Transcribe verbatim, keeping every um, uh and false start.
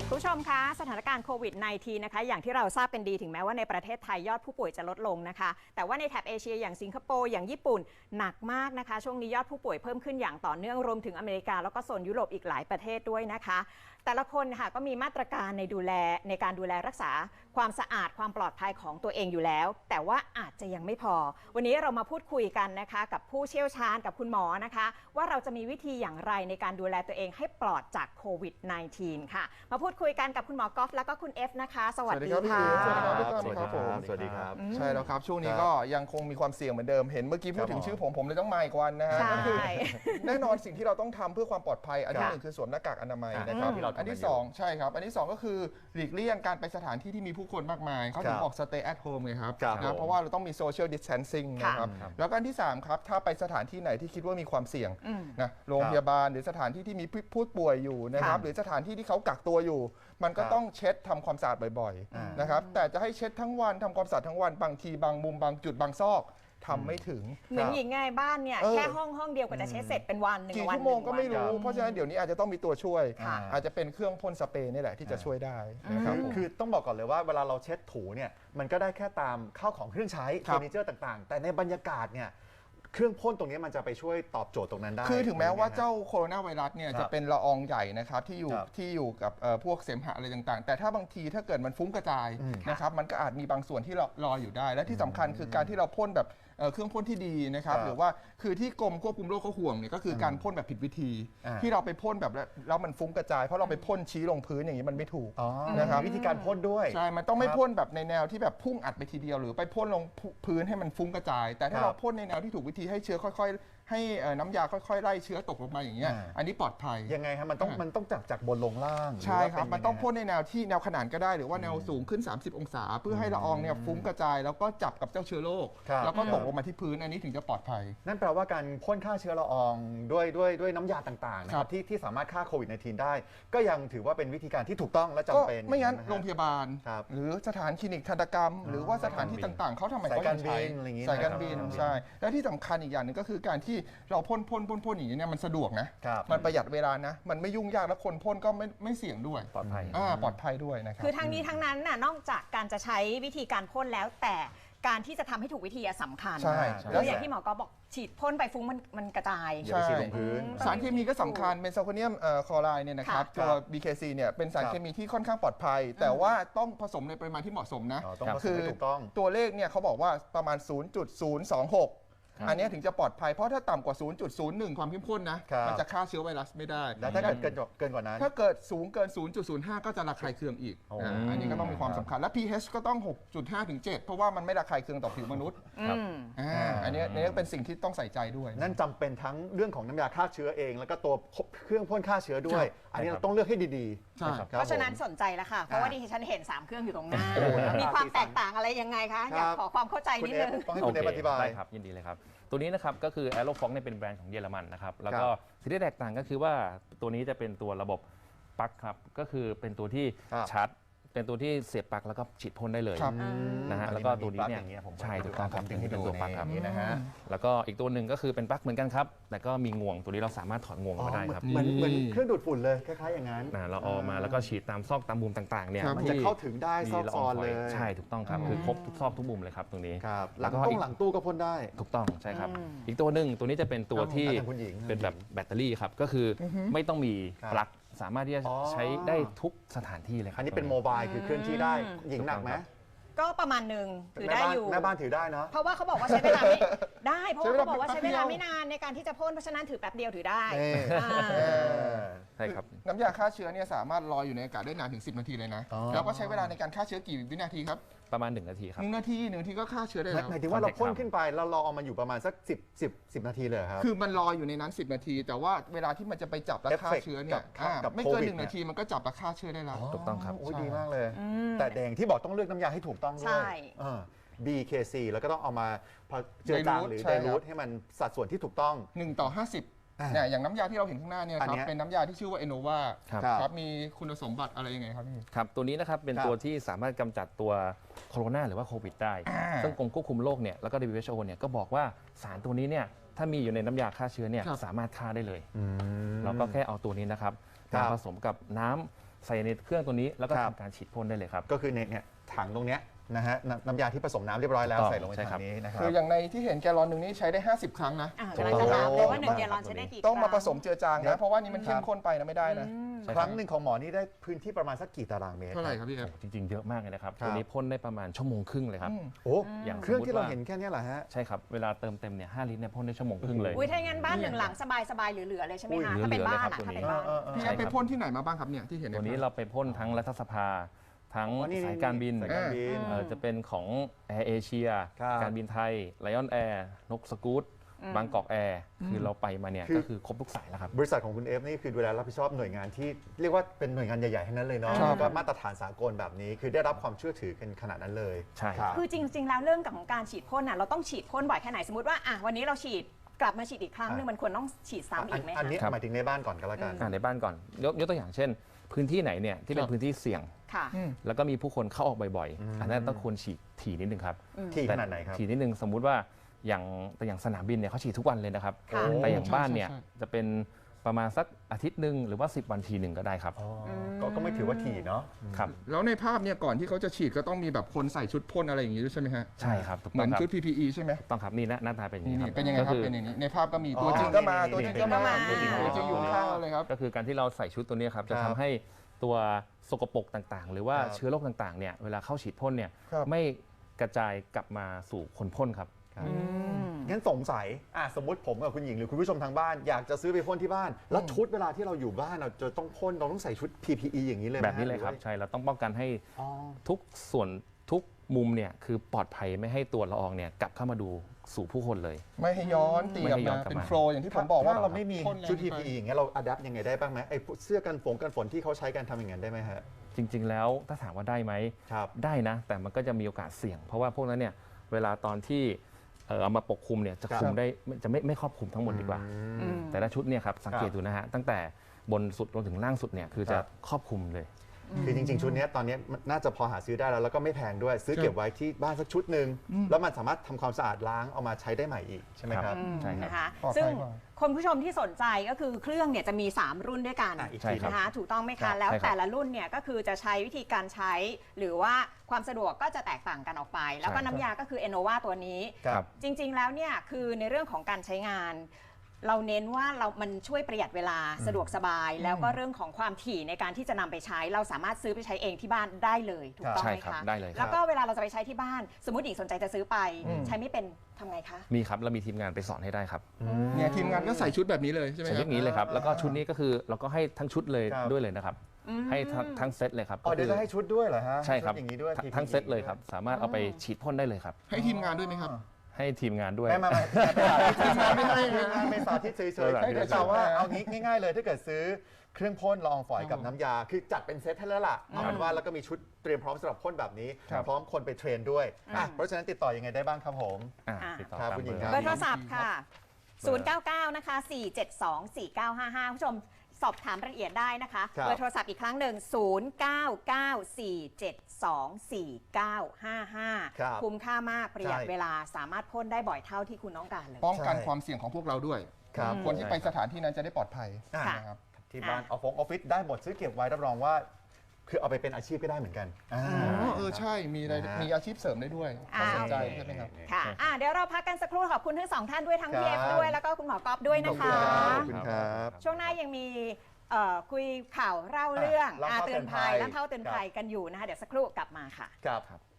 ผู้ชมคะสถานการณ์โควิด สิบเก้า นะคะอย่างที่เราทราบกันดีถึงแม้ว่าในประเทศไทยยอดผู้ป่วยจะลดลงนะคะแต่ว่าในแถบเอเชียอย่างสิงคโปร์อย่างญี่ปุ่นหนักมากนะคะช่วงนี้ยอดผู้ป่วยเพิ่มขึ้นอย่างต่อเนื่องรวมถึงอเมริกาแล้วก็โซนยุโรปอีกหลายประเทศด้วยนะคะแต่ละคนค่ะก็มีมาตรการในดูแลในการดูแลรักษาความสะอาดความปลอดภัยของตัวเองอยู่แล้วแต่ว่าอาจจะยังไม่พอวันนี้เรามาพูดคุยกันนะคะกับผู้เชี่ยวชาญกับคุณหมอนะคะว่าเราจะมีวิธีอย่างไรในการดูแลตัวเองให้ปลอดจากโควิด สิบเก้า ค่ะมาพูดคุยกันกับคุณหมอกอล์ฟแล้วก็คุณเอฟนะคะสวัสดีค่ะสวัสดีครับสวัสดีครับผมสวัสดีครับใช่แล้วครับช่วงนี้ก็ยังคงมีความเสี่ยงเหมือนเดิมเห็นเมื่อกี้พูดถึงชื่อผมผมเลยต้องมาอีกวันนะฮะก็คือแน่นอนสิ่งที่เราต้องทำเพื่อความปลอดภัยอันที่หนึ่งคือสวมหน้ากากอนามัยนะครับอันที่สองใช่ครับอันที่สองก็คือหลีกเลี่ยงการไปสถานที่ที่มีผู้คนมากมายเขาถึงบอก stay at home ไงครับนะเพราะว่าเราต้องมี social distancing นะครับแล้วก็อันที่สามครับถ้าไปสถานที่ไหนที่คิดว่ามีความเสี่ยงนะโรงพยาบาลหรือสถานที่ที่มีผู้ป่วยอยู่นะครับหรือสถานที่ที่เขากักตัวอยู่มันก็ต้องเช็ดทำความสะอาดบ่อยๆนะครับแต่จะให้เช็ดทั้งวันทำความสะอาดทั้งวันบางทีบางมุมบางจุดบางซอกทำไม่ถึงเหมือนหญิงไงบ้านเนี่ยแค่ห้องห้องเดียวก็จะเช็ดเสร็จเป็นวันหนึ่งกี่วันชั่วโมงก็ไม่รู้เพราะฉะนั้นเดี๋ยวนี้อาจจะต้องมีตัวช่วยอาจจะเป็นเครื่องพ่นสเปรย์นี่แหละที่จะช่วยได้นะครับคือต้องบอกก่อนเลยว่าเวลาเราเช็ดถูเนี่ยมันก็ได้แค่ตามข้าวของเครื่องใช้เฟอร์นิเจอร์ต่างๆแต่ในบรรยากาศเนี่ยเครื่องพ่นตรงนี้มันจะไปช่วยตอบโจทย์ตรงนั้นได้คือถึงแม้ว่าเจ้าโคโรนาไวรัสเนี่ยจะเป็นละอองใหญ่นะครับที่อยู่ที่อยู่กับพวกเสมหะอะไรต่างๆแต่ถ้าบางทีถ้าเกิดมันฟุ้งกระจายนะครับมันก็อาจมีบางส่วนที่รออยู่ได้และที่สำคัญคือการที่เราพ่นแบบเครื่องพ่นที่ดีนะครับหรือว่าคือที่กรมควบคุมโรคเขาห่วงเนี่ยก็คือการพ่นแบบผิดวิธีที่เราไปพ่นแบบแล้วมันฟุ้งกระจายเพราะเราไปพ่นชี้ลงพื้นอย่างนี้มันไม่ถูกนะครับวิธีการพ่นด้วยใช่มันต้องไม่พ่นแบบในแนวที่แบบพุ่งอัดไปทีเดียวหรือไปพ่นลงพื้นให้มันฟุ้งกระจายแต่ถ้าเราพ่นในแนวที่ถูกวิธีให้เชื้อค่อยๆให้น้ำยาค่อยๆไล่เชื้อตกลงมาอย่างเงี้ยอันนี้ปลอดภัยยังไงครับมันต้องมันต้องจากจากบนลงล่างใช่ครับมันต้องพ่นในแนวที่แนวขนานก็ได้หรือว่าแนวสูงขึ้นสามสิบองศาเพื่อให้ละอองเนี่ยฟุ้งกระจายแล้วก็จับกับเจ้าเชื้อโรคแล้วก็ตกลงมาที่พื้นอันนี้ถึงจะปลอดภัยนั่นแปลว่าการพ่นฆ่าเชื้อละอองด้วยด้วยด้วยน้ำยาต่างๆนะครับที่ที่สามารถฆ่าโควิด สิบเก้า ได้ก็ยังถือว่าเป็นวิธีการที่ถูกต้องและจำเป็นไม่งั้นโรงพยาบาลหรือสถานคลินิกทันตกรรมหรือว่าสถานที่ต่างๆเขาทำไมเขาใช้สายการบินใช่และที่สำคัญอีกอย่างหนึ่งก็คือการที่เราพ่นพ่นพ่นพ่นอย่างนี้เนี่ยมันสะดวกนะมันประหยัดเวลานะมันไม่ยุ่งยากและคนพ่นก็ไม่ไม่เสี่ยงด้วยปลอดภัยอ่าปลอดภัยด้วยนะครับคือทั้งนี้ทั้งนั้นน่ะนอกจากการจะใช้วิธีการพ่นแล้วแต่การที่จะทำให้ถูกวิธีสำคัญใช่แล้วอย่างที่หมอก็บอกฉีดพ่นไปฟุ้งมันมันกระจายอย่าไปฉีดลงพื้นสารเคมีก็สำคัญเบนโซโคเนียมคลอไรด์เนี่ยนะครับตัว บี เค ซี เนี่ยเป็นสารเคมีที่ค่อนข้างปลอดภัยแต่ว่าต้องผสมในปริมาณที่เหมาะสมนะคือตัวเลขเนี่ยเขาบอกว่าประมาณ ศูนย์จุดศูนย์สองหกอันนี้ถึงจะปลอดภัยเพราะถ้าต่ำกว่า ศูนย์จุดศูนย์หนึ่ง ความเข้มข้นนะมันจะฆ่าเชื้อไวรัสไม่ได้แล้วถ้าเกิดเกินเกินกว่านั้นถ้าเกิดสูงเกิน ศูนย์จุดศูนย์ห้า ก็จะระคายเคืองอีกอันนี้ก็ต้องมีความสำคัญและ พี เอช ก็ต้อง หกจุดห้า ถึง เจ็ด เพราะว่ามันไม่ระคายเคืองต่อผิวมนุษย์อันนี้นี่เป็นสิ่งที่ต้องใส่ใจด้วยนั่นจำเป็นทั้งเรื่องของน้ำยาฆ่าเชื้อเองแล้วก็ตัวเครื่องพ่นฆ่าเชื้อด้วยอันนี้เราต้องเลือกให้ดีๆเพราะฉะนั้นสนใจแล้วค่ะเพราะว่าดิฉันเห็นสามเครื่องอยู่ตรงหน้ามีความแตกต่างอะไรยังไงคะอยากขอความเข้าใจนิดนึงต้องให้คุณเออธิบายได้ครับยินดีเลยครับตัวนี้นะครับก็คือ Aerofox เนี่ยเป็นแบรนด์ของเยอรมันนะครับแล้วก็สิ่งที่แตกต่างก็คือว่าตัวนี้จะเป็นตัวระบบปลั๊กครับก็คือเป็นตัวที่ชาร์จเป็นตัวที่เสียบปลั๊กแล้วก็ฉีดพ่นได้เลยนะฮะแล้วก็ตัวนี้เนี่ยใช่ถูกต้องครับถึงที่เป็นตัวปลั๊กครับนะฮะแล้วก็อีกตัวหนึ่งก็คือเป็นปลั๊กเหมือนกันครับแต่ก็มีงวงตัวนี้เราสามารถถอดงวงมาได้ครับเหมือนเหมือนเครื่องดูดฝุ่นเลยคล้ายๆอย่างนั้นเราเอามาแล้วก็ฉีดตามซอกตามมุมต่างๆเนี่ยมันจะเข้าถึงได้ซอกซอนเลยใช่ถูกต้องครับคือครบทุกซอกทุกมุมเลยครับตรงนี้แล้วก็หลังตู้ก็พ่นได้ถูกต้องใช่ครับอีกตัวหนึ่งตัวนี้จะเป็นตัวที่เป็นแบบแบตเตอรี่ครับก็คือไม่ต้องมีปลั๊กสามารถที่จะใช้ได้ทุกสถานที่เลยครับอันนี้เป็นโมบายคือเคลื่อนที่ได้หญิงหนักไหมก็ประมาณหนึ่งถือได้อยู่แม่บ้านถือได้เนาะเพราะว่าเขาบอกว่าใช้เวลาไม่ได้เพราะว่าเขาบอกว่าใช้เวลาไม่นานในการที่จะพ่นเพราะฉะนั้นถือแป๊บเดียวถือได้ใช่ครับน้ำยาฆ่าเชื้อเนี่ยสามารถลอยอยู่ในอากาศได้นานถึงสิบนาทีเลยนะแล้วก็ใช้เวลาในการฆ่าเชื้อกี่วินาทีครับประมาณหนึ่งนาทีครับหนึ่งนาทีหนึ่งนาทีก็ฆ่าเชื้อได้แล้วหมายถึงว่าเราพ่นขึ้นไปเรารอเอามันอยู่ประมาณสักสิบ สิบ สิบนาทีเลยครับคือมันลอยอยู่ในนั้นสิบนาทีแต่ว่าเวลาที่มันจะไปจับและฆ่าเชื้อเนี่ยไม่เกินหนึ่งนาทีมันก็จับและฆ่าเชื้อได้แล้วถูกต้องครับโอ้ดีมากเลยแต่แดงที่บอกต้องเลือกน้ำยาให้ถูกต้องด้วย บี เค ซี แล้วก็ต้องเอามาเจือจางหรือไดรูทให้มันสัดส่วนที่ถูกต้องหนึ่งต่อห้าสิบเนี่ยอย่างน้ำยาที่เราเห็นข้างหน้าเนี่ยครับเป็นน้ำยาที่ชื่อว่า Enova ครับมีคุณสมบัติอะไรยังไงครับพี่ครับตัวนี้นะครับเป็นตัวที่สามารถกำจัดตัวโคโรนาหรือว่าโควิดได้ซึ่งกรมควบคุมโรคเนี่ยแล้วก็ ดับเบิลยู เอช โอ เนี่ยก็บอกว่าสารตัวนี้เนี่ยถ้ามีอยู่ในน้ำยาฆ่าเชื้อเนี่ยสามารถฆ่าได้เลยเราก็แค่เอาตัวนี้นะครับมาผสมกับน้ำใส่ในเครื่องตัวนี้แล้วก็ครับทำการฉีดพ่นได้เลยครับก็คือเนี่ยเนี่ยถังตรงเนี้ยนะฮะน้ำน้ำยาที่ผสมน้ำเรียบร้อยแล้วถูกต้องใส่ลงไปใช่ครัถับงนี้นะครับคืออย่างในที่เห็นแกลลอนหนึ่งนี่ใช้ได้ห้าสิบครั้งนะอ่าถูกกำลังต้องจะถามเลยว่าหนึ่งโอ้เกลลอนใช้ได้กี่ต้องมาคผรั้สมเจือจางครันะบเพราะว่านี่มันเข้คมรับข้นไปนะไม่ได้นะอืมใช่ครั้งหนึ่งของหมอนี่ได้พื้นที่ประมาณสักกี่ตารางเมตรเท่าไหร่ครับพี่เอฟจริงๆ เยอะมากเลยนะครับครับตัวนี้พ่นได้ประมาณชั่วโมงครึ่งเลยครับอืมโอ้อย่างเครื่องที่เราสมมุติว่าเห็นแค่เนี้ยเหรอฮะใช่ครับเวลาเติมเต็มเนี่ยห้าลิตรเนี่ยพ่นได้ชั่วโมงครึ่งเลยอุ้ยถ้าอย่างนั้นบ้านหนึ่งหลังสบายๆเหลือๆเลยใช่ไหมอุ้ยคะเหลือๆถ้าเป็นบ้านเลยครับอะตัวถ้านี้เป็นบ้านเออเออพี่ใช่เอฟไปครับพ่นที่ไหนมาบ้างครับเนี่ยที่เห็นตัวนี้ใภาพเราไปพ่นทั้งรัฐสภา ทั้งอ๋อนี่สายการบินสายการบินเอ่อจะเป็นของแอร์เอเชียครับการบินไทยไลออนแอร์นกสกู๊ตบางกอกแอร์คือเราไปมาเนี่ยคือก็คือครบทุกสายแล้วครับบริษัทของคุณเอฟนี่คือดูแลรับผิดชอบหน่วยงานที่เรียกว่าเป็นหน่วยงานใหญ่ๆทั้งนั้นเลยเนาะครับก็มาตรฐานสากลแบบนี้คือได้รับความเชื่อถือกันขนาดนั้นเลยใช่ครับคือจริง ๆ แล้วเรื่องของการฉีดพ่นน่ะเราต้องฉีดพ่นบ่อยแค่ไหนสมมติว่าอ่ะวันนี้เราฉีดกลับมาฉีดอีกครั้งหนึงมันควรต้องฉีดซ้ำอีกไหมอันคะนี้ครับหมายถึงในบ้านก่อนก็แล้วกันอ่าในบ้านก่อนยกยกตัวอย่างเช่น พื้นที่ไหนเนี่ยที่เป็ครันบพื้นที่เสี่ยงค่ะอืมแล้วก็มีผู้คนเข้าออกบ่อยอืมๆ อันนั้นต้องควรฉีดถี่นิดนึงครับที่ขแต่นาดไหนครับถี่นิดนึงสมมุติว่าอย่างแต่อย่างสนามบินเนี่ยเขาฉีดทุกวันเลยนะครับค่ะแต่อย่างบ้านเนี่ยใช่ใช่จะเป็นประมาณสักอาทิตย์หนึ่งหรือว่า สิบ วันทีหนึ่งก็ได้ครับอ๋อก็ก็ไม่ถือว่าถี่เนาะครับแล้วในภาพเนี่ยก่อนที่เขาจะฉีดก็ต้องมีแบบคนใส่ชุดพ่นอะไรอย่างงี้ด้วยใช่ไหมฮะใช่ครับถูกเหมืต้ออน งครับชุด พี พี อี ใช่ไหมถูกต้องครับนี่หน้าหน้าตาเป็นอย่างนี่นี้คนี่รับเป็นยังไงครับก็คือเป็นอย่างนี้ในภาพก็มีอ๋อตัวจริงก็มานี่ตัวจริงก็มาตัวจริงก็มาตัวจริงอยู่ข้างๆเลยครับก็คือการที่เราใส่ชุดตัวนี้ครับจะครัทำบให้ตัวสกปรกต่างๆ หรือว่าครับเชื้อโรคต่างๆเนี่ยเวลาเข้าฉีดพ่นเนี่ยครับไม่กระจายกลับมาสู่คนพ่นครับครับอืมงั้นสงสัยอ่ะสมมติผมกับคุณหญิงหรือคุณผู้ชมทางบ้าน อยากจะซื้อไปพ่นที่บ้าน แล้วชุดเวลาที่เราอยู่บ้านเราจะต้องพ่นเราต้องใส่ชุด พี พี อี อย่างนี้เลยไหมแบบนี้เลยครับหอว่าใช่เราต้องป้องกันให้อ๋อทุกส่วนทุกมุมเนี่ยคือปลอดภัยไม่ให้ตัวละอองเนี่ยกลับเข้ามาดูสู่ผู้คนเลยไม่ให้ย้อนตีไม่กลับให้ย้อมานกลับเป็นมาโฟล์อย่างที่ผมบอกว่าถ้าเราไม่มีพ่นแรงชุดไปพี พี อี อย่างเงี้ยเราอัดแอปยังไงได้บ้างไหมไอ้พวกเสื้อกันฝนกันฝนที่เขาใช้กันทำอย่างนั้นได้ไหมฮะจริง ๆ แล้วถ้าถามว่าได้ไหมครับได้นะ แต่มันก็จะมีโอกาสเสี่ยง เพราะว่าพวกนั้นเนี่ยเวลาตอนที่เอ่อเอามาปกคลุมเนี่ยจะครับคุมได้ไม่จะไม่ไม่ครอบคลุมทั้งหมดดีกว่าอืมแต่ละชุดเนี่ยครับสังเกตครับดูนะฮะตั้งแต่บนสุดลงถึงล่างสุดเนี่ยคือคจะรับครอบคลุมเลยคือจริงๆ ชุดเนี้ยตอนเนี้ยมันน่าจะพอหาซื้อได้แล้วแล้วก็ไม่แพงด้วย ซื้อครับเก็บไว้ที่บ้านสักชุดหนึ่งอืมแล้วมันสามารถทำความสะอาดล้างเอามาใช้ได้ใหม่อีกใช่ไหมครับอืมใช่ครับนะคะปลอดภัยซึ่งกว่าคนผู้ชมที่สนใจก็คือเครื่องเนี่ยจะมี สาม รุ่นด้วยกันอ่ะอีกใช่ทีครับนะคะถูกต้องไหมครัคะบแล้วใช่ครับแต่ละรุ่นเนี่ยก็คือจะใช้วิธีการใช้ หรือว่าความสะดวกก็จะแตกต่างกันออกไป แล้วก็ใช่ครับน้ำยาก็คือ Enova ตัวนี้ครับจริง ๆ แล้วเนี่ยคือในเรื่องของการใช้งาน เราเน้นว่าเรามันช่วยประหยัดเวลาสะดวกสบาย แล้วก็เรื่องของความถี่ในการที่จะนำไปใช้ เราสามารถซื้อไปใช้เองที่บ้านได้เลยถูกต้องใช่ไหมครับคะได้เลยคแล้รัวบก็เวลาเราจะไปใช้ที่บ้าน สมมติหญิงสนใจจะซื้อไปอืมใช้ไม่เป็นทำไงคะมีครับเรามีทีมงานไปสอนให้ได้ครับเนี่ยทีมงานก็ใส่ชุดแบบนี้เลยใช่ไหมใช้คเทรับคนิคเลยครับแล้วก็ชุดนี้ก็คือเราก็ให้ทั้งชุดเลยครับด้วยเลยนะครับอืมให้ทั้งทั้งเซตเลยครับอ๋อเดี๋ยวก็จะให้ชุดด้วยเหรอฮะใช่ครับชุดอย่างนี้ด้วยทั้งพี พีทั้งเซตเลยครับสามารถเอาไปฉีดพ่นได้เลยครับให้ทีมงานด้วยไหมครับให้ทีมงานด้วยไม่ไม่ไม่ทีมงานไม่ให้ทีมงานไม่สาธิตเฉยเออๆให้เดี๋ยวแต่ว่าเอางี้ง่ายๆเลยถ้าเกิดซื้อเครื่องพ่นละอองฝอยกับครับน้ำยา คือจัดเป็นเซตให้แล้วล่ะเอาเป็นว่าแล้วก็มีชุดเตรียมพร้อมสำหรับพ่นแบบนี้ครับพร้อมคนไปเทรนด้วยอ่ะอืมเพราะฉะนั้นติดต่อยังไงได้บ้างครับผมอ่ะอ่ะติดต่อครับตามคุณหญิงเบอร์คเบรัอร์โทรศัพท์ค่ะ ศูนย์ เก้า เก้า นะคะ สี่ เจ็ด สอง สี่ เก้า ห้า ห้า ผู้ชมสอบถามรายละเอียดได้นะคะครับเบอร์โทรศัพท์อีกครั้งหนึ่ง ศูนย์ เก้า เก้า สี่ เจ็ด สอง สี่ เก้า ห้า ห้าครับคุ้มค่ามากประหยัดใช่เวลาสามารถพ่นได้บ่อยเท่าที่คุณต้องการเลยป้องกันใช่ความเสี่ยงของพวกเราด้วยครับคนที่ไปสถานที่นั้นจะได้ปลอดภัยอ่ะค่ะนะครับที่บ้านออฟฟิศออฟฟิศได้หมดซื้อเก็บไว้รับรองว่า คือเอาไปเป็นอาชีพก็ได้เหมือนกันอ่าอ๋อเออใช่มีรายนะฮะมีอาชีพเสริมได้ด้วยอ่าสนใจใช่ไหมครับค่ะอ่ะ เดี๋ยวเราพักกันสักครู่ขอบคุณทั้งสองท่านด้วยทั้งครับพีเอฟด้วยแล้วก็คุณหมอกอฟด้วยนะขอบคุคะณครับขอบคุณครับช่วงหน้ายังมีเอ่อคุยข่าวเล่าเรื่องอ่ะเล่าอ่ะเท่าเตือนภัยเตือนภัยและเท่าเตือนภัยกันอยู่นะคะเดี๋ยวสักครู่กลับมาค่ะครับ